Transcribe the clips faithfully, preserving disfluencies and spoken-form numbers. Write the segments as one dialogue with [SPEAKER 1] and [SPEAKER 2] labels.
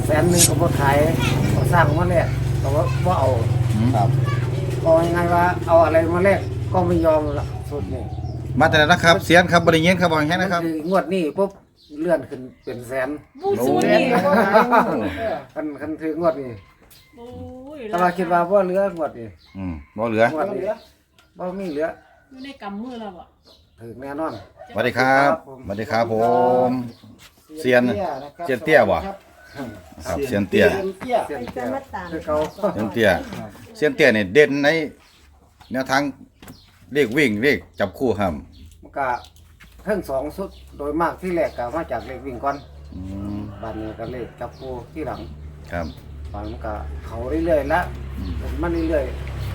[SPEAKER 1] แสนหนึ่งก็บ่ขายก็สร้างมาแลกก็ว่าบ่เอา
[SPEAKER 2] ครับ
[SPEAKER 1] เอายังไงว่าเอาอะไรมาแลกก็ไม่ยอมละสุดนี่
[SPEAKER 3] มาแต่ละนะครับเสียนครับบริเงินครับบอกแค่นะครับ
[SPEAKER 1] คืองวดนี้ปุ๊บเลื่อนขึ้นเป็นแสน
[SPEAKER 4] บูซูนี่
[SPEAKER 1] คันคันถึงงวดนี้
[SPEAKER 4] โอ้ย
[SPEAKER 1] แต่ว่าคิดว่าบ่เหลืองวดนี้
[SPEAKER 3] อืมบ่เหลือง
[SPEAKER 1] วดนี้บ่มีเหลือ
[SPEAKER 4] อยู่ในกำมือเราอ่ะ
[SPEAKER 1] ถึงแน่นอน
[SPEAKER 3] สวัสดีครับสวัสดีครับผมเซียนเซียนเตี้ยบ่ครับเซียนเตี้ย
[SPEAKER 2] เซียนเตี้ย
[SPEAKER 1] เสียนเตี้ยคือเขา
[SPEAKER 3] เซียนเตี้ยเซียนเตี้ยนี่เด่นในแนวทางเลขวิ่งเลขจับคู่ครับ
[SPEAKER 1] มันก็เพิ่งสองสุดโดยมากที่แรกก็มาจากเลขวิ่งก่อน
[SPEAKER 3] อืม
[SPEAKER 1] บัดนี้ก็เลขจับคู่ที่หลัง
[SPEAKER 3] ครับ
[SPEAKER 1] บัดมันก็เขาเรื่อยๆละเป็นมันเรื่อย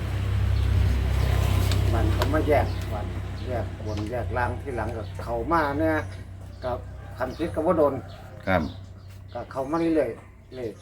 [SPEAKER 1] ๆมันเขามาแยกบัดแยกบนแยกล่างที่หลังก็เขามาเนี่ยกับคันพิษก็บ่โดน
[SPEAKER 3] ครับ
[SPEAKER 1] ก็เขามาเรื่อยๆเลย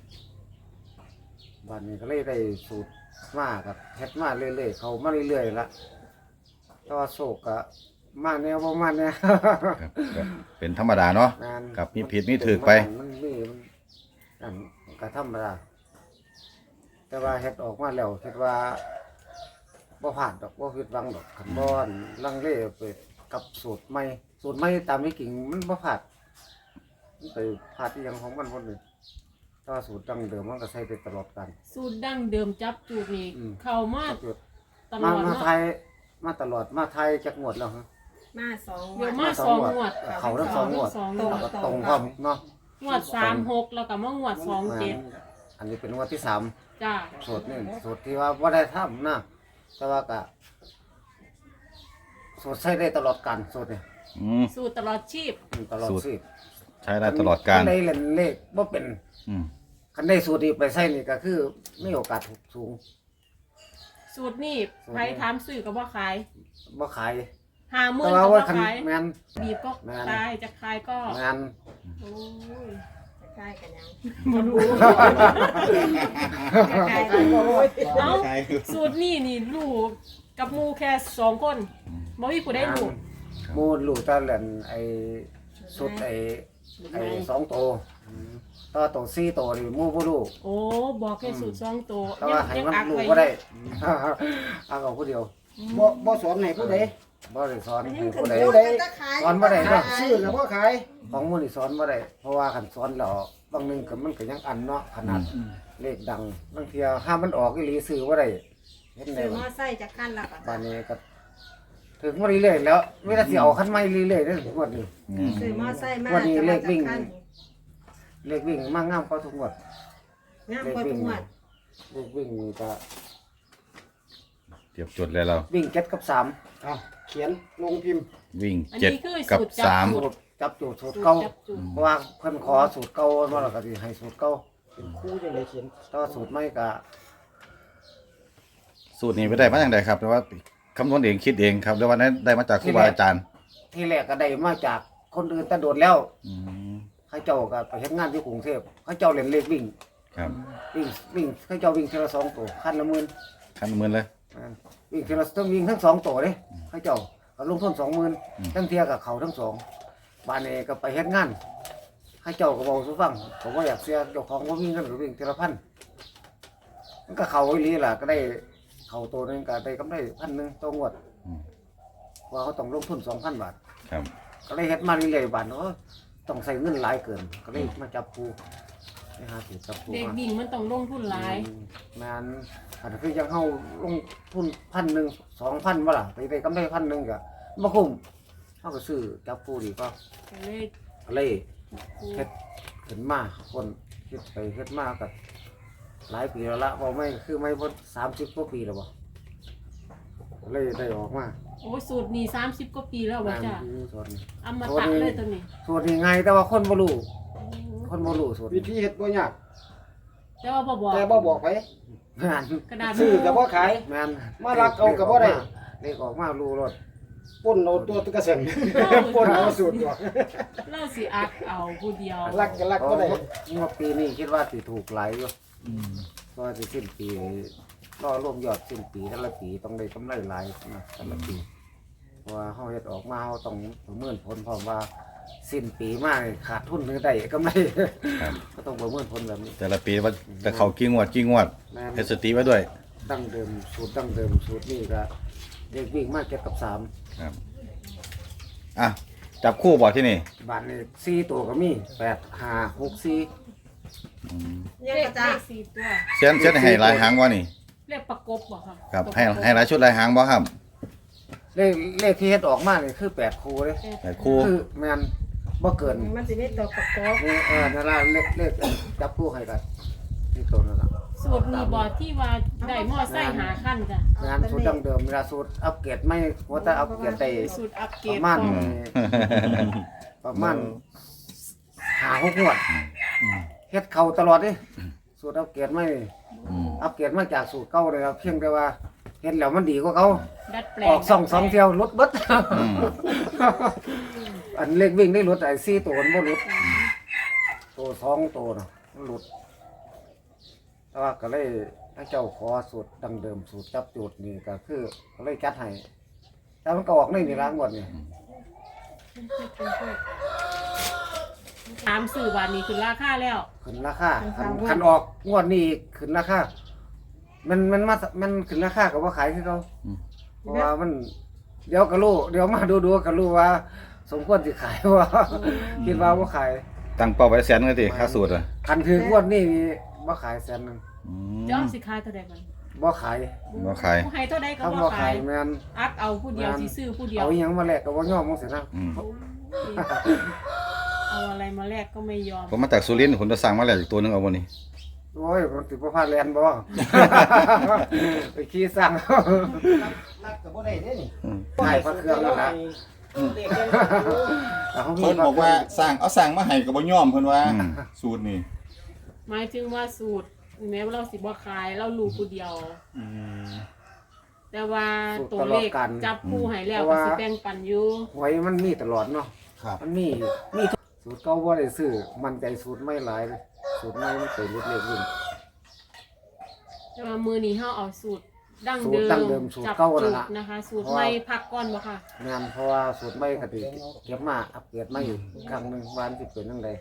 [SPEAKER 1] บัดนี้ก็เลยได้สูตรมากับเฮ็ดมาเรื่อยๆเขามาเรื่อยๆละแต่ว่าโศกก็มาแนวบ่มาแนว
[SPEAKER 3] ครับก็เป็นธรรมดาเนาะ
[SPEAKER 1] งาน
[SPEAKER 3] ครับมีผิดมีถูกไป
[SPEAKER 1] มันมีมันอันก็ธรรมดาแต่ว่าเฮ็ดออกมาแล้วคิดว่าบ่ผ่านดอกบ่ผิดหวังดอกคันบ่อนลังเลไปกับสูตรใหม่สูตรใหม่ตามที่กิ่งมันบ่ผ่านมันไปผ่านที่ยังของมันหมดเลยแต่ว่าสูตรดั้งเดิมมันก็ใช้ไปตลอดกัน
[SPEAKER 4] สูตรดั้งเดิมจับจูดนี่
[SPEAKER 1] อืม
[SPEAKER 4] เข้ามาตล
[SPEAKER 1] มา
[SPEAKER 4] อด
[SPEAKER 1] มา
[SPEAKER 4] เนาะ
[SPEAKER 1] ไทยมาตลอดมาไทยจักงวดแล้วฮะ
[SPEAKER 5] มาสอง
[SPEAKER 4] เดี๋ยว
[SPEAKER 5] วั
[SPEAKER 4] มาน สองงวด
[SPEAKER 1] เขาทั้งสองงวด
[SPEAKER 4] สองง
[SPEAKER 1] แล้ว
[SPEAKER 4] วด
[SPEAKER 1] ก็ตรงพร้อมเนาะ
[SPEAKER 4] งวดสามหกแล้วก็มางวดสองเจ็ด
[SPEAKER 1] อันนี้เป็นงวดที่สาม
[SPEAKER 4] จ้า
[SPEAKER 1] สูตรนี่สูตรที่ว่าว่าได้ทำนะแต่ว่าก็สูตรใช้ได้ตลอดการสูตรนี่
[SPEAKER 3] อืม
[SPEAKER 4] สูตรตลอดชีพ
[SPEAKER 1] อืมตลอด
[SPEAKER 3] สูตร
[SPEAKER 1] สิบ
[SPEAKER 3] ใช้ได้ตลอดการ
[SPEAKER 1] คันได้เล่นเลขว่าเป็น
[SPEAKER 3] อืม
[SPEAKER 1] คันได้สูตรนี้ไปใช้นี่ก็คือไม่โอกาสถูกสูง
[SPEAKER 4] สูตรนี่ใครถามซื้อก็บ่ขาย
[SPEAKER 1] บ่ขาย
[SPEAKER 4] ห้าหมื่
[SPEAKER 1] แต่
[SPEAKER 4] น
[SPEAKER 1] ว่า
[SPEAKER 4] ก็
[SPEAKER 1] ว่า
[SPEAKER 4] บ่
[SPEAKER 1] คัน
[SPEAKER 4] ขาย
[SPEAKER 1] แมน
[SPEAKER 4] บีบก็
[SPEAKER 1] แม่น
[SPEAKER 4] ขายจะขายก็
[SPEAKER 1] แมน
[SPEAKER 4] โอ้ย
[SPEAKER 5] จะใกล้กันยัง
[SPEAKER 4] บ่รู้
[SPEAKER 5] ใกล้กันโอ้ย
[SPEAKER 4] เอ้าสูตรนี่นี่ลูกกับหมูแค่สองคนบ่มีผู้ใดรู้
[SPEAKER 1] หมูลูกตาเล่นไอ้สุดไอ้ไอ้สองโตวต่อโตวสี่โตวนี่หมูบ่รู้
[SPEAKER 4] โอ้บอกแค่สูตรสองตัว
[SPEAKER 1] แต่ว่าให้
[SPEAKER 4] ยัง
[SPEAKER 1] มัน
[SPEAKER 4] อัก
[SPEAKER 1] รู้
[SPEAKER 4] ไว้
[SPEAKER 1] บ่ได้ เอาเอาผู้เดียว
[SPEAKER 2] บ่บ่สอนให้ผู้ใด
[SPEAKER 1] บ่ได้สอนให้
[SPEAKER 5] ถึ
[SPEAKER 1] ผู้
[SPEAKER 5] ง
[SPEAKER 1] ใด
[SPEAKER 5] ผู้ใดจะขาย
[SPEAKER 1] สอนบ่ได้เนาะ
[SPEAKER 2] ซื้อแล้วบ่ขาย
[SPEAKER 1] ของหมูนี่สอนบ่ได้เพราะว่าคันสอนแล้วบางหนึงก็มันก็ยังอันเนาะขนาดเลขดังบางเที่ยห้ามมันออกอีหลีซื้อบ่ได้เห็นได้
[SPEAKER 5] ซื้อม
[SPEAKER 1] บ่
[SPEAKER 5] อไซค์จากขั้นละก่อน
[SPEAKER 1] บ้านนี้ก็ถึงมาเรื่อยๆแล้วเวลาสิเอาคันใหม่เรื่อยๆเด้อหมดนี้
[SPEAKER 3] อืม
[SPEAKER 5] ซื้อมอไซค์มา
[SPEAKER 1] วันนี้
[SPEAKER 5] จะ
[SPEAKER 1] เล
[SPEAKER 5] มา
[SPEAKER 1] ข
[SPEAKER 5] จาก
[SPEAKER 1] วิ่ง
[SPEAKER 5] ขั้น
[SPEAKER 1] เลขวิ่งมางามกว่าทุกงวด
[SPEAKER 5] งามกว่าทุกงวด
[SPEAKER 1] เลขวิ่งนี่ก็
[SPEAKER 3] เทียบจุดเลยเรา
[SPEAKER 1] วิ่งเจ็ดกับสาม
[SPEAKER 2] เอาเขียนลงพิมพ์
[SPEAKER 3] วิ่ง
[SPEAKER 4] อัน
[SPEAKER 3] เจ็ด
[SPEAKER 4] นี้คือ
[SPEAKER 3] กับ
[SPEAKER 4] สูตรจับ
[SPEAKER 3] สาม
[SPEAKER 4] สูตร
[SPEAKER 1] จับอยู่สูตร
[SPEAKER 4] สูตร
[SPEAKER 1] เก่า
[SPEAKER 4] จับจูด
[SPEAKER 1] เพราะว่าเพิ่นขอสูตรเก่ามาแล้วก็สิให้สูตรเก่า
[SPEAKER 2] เป็นครู่จังไดเขียน
[SPEAKER 1] แต่ว่าสูตรใหม่ก็
[SPEAKER 3] สูตรนี้ไปได้มาอย่างไรครับแต่ว่าคำนวณเองคิดเองครับหรือว่านั้นได้มาจากครูบาอาจารย์
[SPEAKER 1] ที่แรกก็ได้มาจากคนอื่นแต่โดดแล้ว
[SPEAKER 3] อืม
[SPEAKER 1] เขาเจ้าก็ไปเฮ็ดงานที่กรุงเทพเขาเจ้าเล่นเลขวิ่ง
[SPEAKER 3] ครับ
[SPEAKER 1] วิ่งวิ่งเขาเจ้าวิ่งเทอละสองตัวคันละหมื่น
[SPEAKER 3] ขั้นหมือนเลย
[SPEAKER 1] อ่าวิ่งทีละต้องวิ่งทั้งสองตัวเลยเขาเจ้าก็ลงทุนสองหมื่น
[SPEAKER 3] อืม
[SPEAKER 1] ทั้งเทียกับเขาทั้งสองบ้านนี้ก็ไปเฮ็ดงานเขาเจ้าก็บอกสุฟังผมว่าอยากเสียเจ้าของว่ามีเงินหรือวิ่งทีละพันมันก็เขาอีหลีล่ะก็ได้เขาตัวหนึงก็ได้กำไรพันหนึ่งต่องวด
[SPEAKER 3] อืม
[SPEAKER 1] ว่าเขาต้องลงทุนสองพันบาท
[SPEAKER 3] ครับ
[SPEAKER 1] ก็เลยเฮ็ดมาเรื่อยๆบาทเนาะต้องใส่เงินหลายเกิน ก็เลยมาจับปูไปหาสูตรจับปู
[SPEAKER 4] เด็ก
[SPEAKER 1] มา
[SPEAKER 4] บิ่งมันต้องลงทุนหลาย
[SPEAKER 1] งานอันคือยังเฮาลงทุนพันหนึ่งสองพันบ่ล่ะไปได้กำไรพันหนึ่งก็บ่คุ้มเฮาก็ซื้อจับปูดีก็
[SPEAKER 4] ก็เลย
[SPEAKER 1] ก็เลย
[SPEAKER 4] ปู
[SPEAKER 1] เฮ็ดขึ้นมาคนเฮ็ดไปเฮ็ดมาก็หลายปีแล้วละบ่ไม่คือไม่บ่สามสิบกว่าปีแล้วบ่ก็เลยได้ออกมา
[SPEAKER 4] โอ้ยสูตรนี้สามสิบกว่าปีแล้วว่าจ้ะ
[SPEAKER 1] อยู่ส่วนนี้
[SPEAKER 4] อมตะเลยตัวนี้
[SPEAKER 1] ส่วนนี้ไงแต่ว่าคนบ่รู้คนบ่รู้ส่วน
[SPEAKER 2] วิ
[SPEAKER 1] นี้
[SPEAKER 2] ธีเฮ็ดบ่ยาก
[SPEAKER 4] แต่ว่าบ่บอก
[SPEAKER 2] แต่บ่บอกไป
[SPEAKER 1] งาน
[SPEAKER 4] กระดาษ
[SPEAKER 2] ซื้อก็บ่ขาย
[SPEAKER 1] แม่น
[SPEAKER 2] มารักเอาก็บ่ได้
[SPEAKER 1] เลขออกมารู้รถ
[SPEAKER 2] ป่นเอาตัวตุ๊กเสนป่นเอาสูตรตัว
[SPEAKER 4] เล่าสิอักเอาผู้เดียว
[SPEAKER 2] รักก็รักบ่ได้
[SPEAKER 1] งวดปีนี้คิดว่าสิถูกหลายอยู่ก็สิสิ้นปีรอรวมยอดสิ้นปีแต่ละปีต้องได้กำไรหลายนะแต่ละปีเพราะว่าเฮาเฮ็ดออกมาเฮาต้องประเมินผลพร้อมว่าสิ้นปีมานี่ขาดทุนหรือได้กำไร
[SPEAKER 3] ครับ
[SPEAKER 1] ก็ต้องประเมินผลแบบนี้
[SPEAKER 3] แต่ละปีว่าจะเข้ากี่งวดกี่งวด
[SPEAKER 1] แม่น
[SPEAKER 3] เฮ็ดสติไว้ด้วย
[SPEAKER 1] ดั้งเดิมสูตรดั้งเดิมสูตรนี่ก็เด็กวิ่งมาเจ็ดกับสาม
[SPEAKER 3] ครับอ่ะจับคู่บ่ที่นี่
[SPEAKER 1] บาทนี่สี่ตัวก็มีแปดห้าหกสี่
[SPEAKER 5] ยัง
[SPEAKER 4] เล
[SPEAKER 5] ก
[SPEAKER 4] ข
[SPEAKER 5] ระจ้า
[SPEAKER 4] เลขสี่ตัว
[SPEAKER 3] เส้นเส้นให้หลายหางบ่นี่
[SPEAKER 4] เลขประกบบ่ค่ะ
[SPEAKER 3] ครับให้ให้หลายชุดหลายหางบ่ครับ
[SPEAKER 1] เลขเลขที่เฮ็ดออกมานี่คือแปดคู่เลย
[SPEAKER 3] หลายคู่
[SPEAKER 1] คือแมนบ่เกิน
[SPEAKER 5] มันจะไม่ตัวประกอบ
[SPEAKER 1] นี่เออนั่นละเลขเลขจับคู่ให้กันนี่ตัวนั่นละ
[SPEAKER 4] สูตรนี้บ่ที่ว่าได้มอไซค์หาขั้นจ้ะ
[SPEAKER 1] งานสูตรดั้งเดิมเวลาสูตรอัปเกรดไม่ว่าแต่อัปเกรดได้
[SPEAKER 4] สูตรอัปเก
[SPEAKER 1] ป
[SPEAKER 4] รด
[SPEAKER 1] ระมาณ
[SPEAKER 4] ของ
[SPEAKER 1] ประมาณหาหกงวดเฮ็ดเข้าตลอดเดิสูตรอัปเกรดไม่
[SPEAKER 3] อืม
[SPEAKER 1] อัปเกรดมาจากสูตรเก่าเลยครับเพียงแต่ว่าเฮ็ดแล้วมันดีกว่าเขา
[SPEAKER 4] ดัดแปล
[SPEAKER 1] อง อกสองสองเที่ยวลดเบิด
[SPEAKER 3] อืม
[SPEAKER 1] อันเล็กวิ่งได้ลดไอ้สี่ตัวมันบ่ลดตัวสองตัวน่ะมันลดแต่ว่าก็เลยให้เจ้าขอสูตรดังเดิมสูตรจับจุดนี่ก็คือก็เลยจัดให้แต่มันก็ออกในนี่ล้างหมดนี่
[SPEAKER 4] ถามสื่อบาทนี้คือราคาแล้ว
[SPEAKER 1] ขึ้นราคาคันคันออกงวดนี้ขึ้นราคามันมันมามันขึ้นราคาก็บ่ขายคือเขาเพราะว่ามันเดี๋ยวก็รู้เดี๋ยวมาดูดูก็รู้ว่า สมควรสิขายว่า คิดว่าบ่ขาย
[SPEAKER 3] ตั้งเป้าไว้แสนเลยติค่าสูตรอ่ะ
[SPEAKER 1] คันถืองวดนี้นี่บ่ขายแสนหนึง
[SPEAKER 3] อืม
[SPEAKER 4] ย้อมสิขายเท่าใดกัน
[SPEAKER 1] บ่ขาย
[SPEAKER 3] บ่ขาย
[SPEAKER 4] ผู้ให้เท่าใดก็
[SPEAKER 1] ถ้า
[SPEAKER 4] บ่
[SPEAKER 1] บ่
[SPEAKER 4] ขา
[SPEAKER 1] ขาย
[SPEAKER 4] ย
[SPEAKER 1] แม่น
[SPEAKER 4] อักเอาผู้เดียวสิซื้อผู้เดียว
[SPEAKER 1] เอาอีหยังมาแลกก็บ่ยอมจังซี่นะ
[SPEAKER 3] อืม
[SPEAKER 4] เอาอะไรมาแลกก็ไม่ยอม
[SPEAKER 3] ผมมาจากสุรินทร์ผมจะสั่งมาแล้วอีกตัวหนึงเอาบ่นี่
[SPEAKER 1] โอ้ยมันสิบ่พาแลนบ่ ไปขี่สั่ง
[SPEAKER 2] รักกับบ่ได้เด้นี่
[SPEAKER 3] อืม
[SPEAKER 1] ให้พระเครื่องแล้วนะเอาเขามี
[SPEAKER 6] เพิ่นบอกว่าสร้างเอาสร้างมาให้ก็บ่ยอมเพิ่นว่า
[SPEAKER 3] อืม
[SPEAKER 6] สูตรนี่
[SPEAKER 4] หมายถึงว่าสูตรแม้ว่าเราสิบ่ขายเรารู้ผู้เดียว
[SPEAKER 6] อืม
[SPEAKER 4] แต่ว่าตัวเลขจับคู่ให้แล้วก็สิแบ่งปันอยู่
[SPEAKER 1] หวยมันมีตลอดเนาะ
[SPEAKER 6] ครับ
[SPEAKER 1] มันมีมีสูตรเก่าบ่ได้ซื้อมันใจสูตรไม่หลายเลยสูตรใหม่มันไปเล็กๆวิ่ง
[SPEAKER 4] แต่ว่ามือนี้เฮาเอาสูตรดั้ง
[SPEAKER 1] สู
[SPEAKER 4] เดิ
[SPEAKER 1] ตรดั้งเดิม
[SPEAKER 4] ม
[SPEAKER 1] สูตร
[SPEAKER 4] จับ
[SPEAKER 1] เก่านั่
[SPEAKER 4] จุ
[SPEAKER 1] น
[SPEAKER 4] ด
[SPEAKER 1] ล่ะ
[SPEAKER 4] นะคะ สูตรใหม่พักก่อนบ่ค่ะ
[SPEAKER 1] งานเพราะว่าสูตรใหม่ก็สิเก็บมาอัปเกรดมาอีกครั้งหนึงวาอันสิเป็นจังได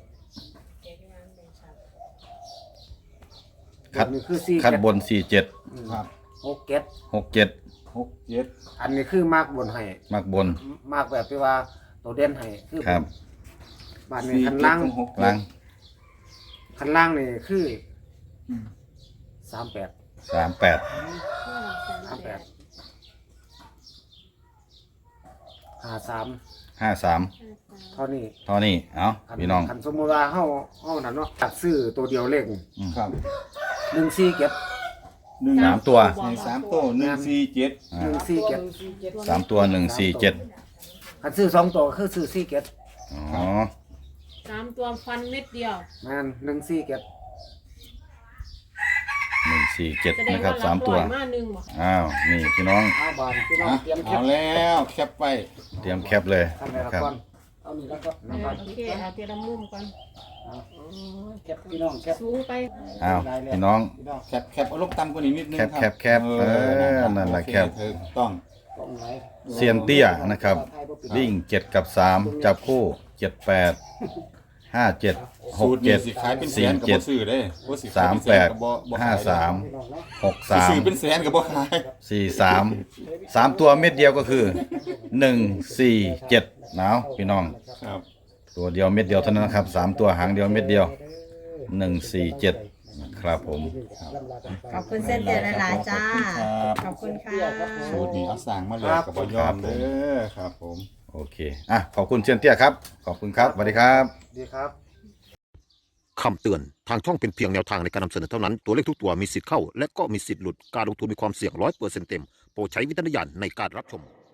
[SPEAKER 3] คัด
[SPEAKER 1] อันนี้คือสี่
[SPEAKER 3] คัด
[SPEAKER 1] เจ็ด
[SPEAKER 3] บนสี่เจ็ด
[SPEAKER 6] ครับ
[SPEAKER 1] หกเจ็ด
[SPEAKER 3] หกเจ็ด
[SPEAKER 6] หกเจ็ด
[SPEAKER 1] อันนี้คือมากบนให้
[SPEAKER 3] มักบน
[SPEAKER 1] มากแบบที่ว่าตัวเด่นให้คือ
[SPEAKER 3] ครับ
[SPEAKER 1] บ้านนี้คันล่าง
[SPEAKER 6] หก
[SPEAKER 3] ล่าง
[SPEAKER 1] คันล่างนี่คือสามแปด
[SPEAKER 3] สามแปด
[SPEAKER 1] สามแปดห้าสาม
[SPEAKER 3] ห้าสาม
[SPEAKER 1] เท่านี้
[SPEAKER 3] เท่านี้เอ้า
[SPEAKER 1] คั
[SPEAKER 3] พี่น้อง
[SPEAKER 1] คันสมมติว่าเฮาเฮานั่นเนาะตัดซื้อตัวเดียวเลข
[SPEAKER 6] ครับ
[SPEAKER 1] หนึ่งสี่เก็บ
[SPEAKER 6] หนึ่ง
[SPEAKER 3] สามตัว
[SPEAKER 6] ในสามตัวหนึ่งสี่เจ็ด
[SPEAKER 3] อ่า
[SPEAKER 1] หนึ่งสี่เก็บ
[SPEAKER 3] สามตัวหนึ่งสี่เจ็ด
[SPEAKER 1] คันซื้อสองตัวก็คือซื้อสี่เก็บ
[SPEAKER 3] อ๋อ
[SPEAKER 4] สามตัวฟันเม็ดเดียว
[SPEAKER 1] แม่นหนึ่งสี่เก็บ
[SPEAKER 3] หนึ่งสี่เจ็ด
[SPEAKER 4] แสดง
[SPEAKER 3] นะครับ
[SPEAKER 4] ว่า
[SPEAKER 3] สา
[SPEAKER 4] รั
[SPEAKER 3] ม
[SPEAKER 4] บ
[SPEAKER 3] ตั
[SPEAKER 4] ร้
[SPEAKER 3] ว
[SPEAKER 4] อยมาหนึ่งบ่
[SPEAKER 3] อ้าวนี่พี่น้อง
[SPEAKER 1] เอาบานพี่น้อง
[SPEAKER 6] อ่ะ
[SPEAKER 1] เตรียมเก็
[SPEAKER 6] เอา
[SPEAKER 1] บ
[SPEAKER 6] แล้วแคปไป
[SPEAKER 3] เตรียมแคปเลย
[SPEAKER 1] ทำอะไร
[SPEAKER 3] นะ
[SPEAKER 1] ละ
[SPEAKER 3] ครับ
[SPEAKER 1] ก่อนเอานี่แล้วก็
[SPEAKER 4] เออโอเคเอาเทียละมุมก่อน
[SPEAKER 2] เก็บพี่น้องเก็บ
[SPEAKER 4] สูงไป
[SPEAKER 3] อ้าวพี่น้อง
[SPEAKER 2] พี่น้อง
[SPEAKER 6] แคปแคปเอาลงต่ำกว่านี้นิดนึง
[SPEAKER 3] แคป
[SPEAKER 6] ครับ
[SPEAKER 3] แคปแคปเออนั่นแหละ
[SPEAKER 6] โอเ
[SPEAKER 3] แคป
[SPEAKER 6] ถูกต้อง
[SPEAKER 2] กล้องไหน
[SPEAKER 3] เซียนเตี้ยนะครับวิ่งเจ็ดกับสามจับคู่เจ็ดแปดห้าเจ็ดห
[SPEAKER 6] สู
[SPEAKER 3] ก
[SPEAKER 6] ตร
[SPEAKER 3] เจ็
[SPEAKER 6] นี่
[SPEAKER 3] ด
[SPEAKER 6] สิขายเป็นแส
[SPEAKER 3] สี่
[SPEAKER 6] นกับ
[SPEAKER 3] เจ็ด
[SPEAKER 6] บ่ซื้อเด้บ่สิขย
[SPEAKER 3] สาม
[SPEAKER 6] เป็น
[SPEAKER 3] แป
[SPEAKER 6] น
[SPEAKER 3] ด
[SPEAKER 6] กับบ่บ่ขย
[SPEAKER 3] ห้าสาม
[SPEAKER 2] พี่น้องเนาะ
[SPEAKER 3] หก
[SPEAKER 6] สิ
[SPEAKER 3] สาม
[SPEAKER 6] ซื้อเป็นแสนกับบ่ขาย
[SPEAKER 3] สี่สามสามตัวเม็ดเดียวก็คือหนึ่งสี่เจ็ดหนาวพี่น้อง
[SPEAKER 6] ครับ
[SPEAKER 3] ตัวเดียวเม็ดเดียวเท่านั้นนะครับสามตัวหางเดียวเม็ดเดียวหนึ่งสี่เจ็ดครับผม
[SPEAKER 5] ขอบคุณเส้นเดียวหลายๆจ้า
[SPEAKER 6] ครับ
[SPEAKER 5] ขอบคุณค่ะ
[SPEAKER 6] สูตรนี้เอาสั่งมาเลยกับบ่ยอมเด้อครับผม
[SPEAKER 3] โอเคอ่ะขอบคุณเซียนเตี้ยครับขอบคุณครับสวัสดีครับ
[SPEAKER 1] ดีครับ
[SPEAKER 7] คำเตือน ทางช่องเป็นเพียงแนวทางในการนำเสนอเท่านั้น ตัวเลขทุกตัวมีสิทธิ์เข้า และก็มีสิทธิ์หลุด การลงทุนมีความเสี่ยงร้อยเปอร์เซ็นต์เต็ม โปรดใช้วิจารณญาณในการรับชม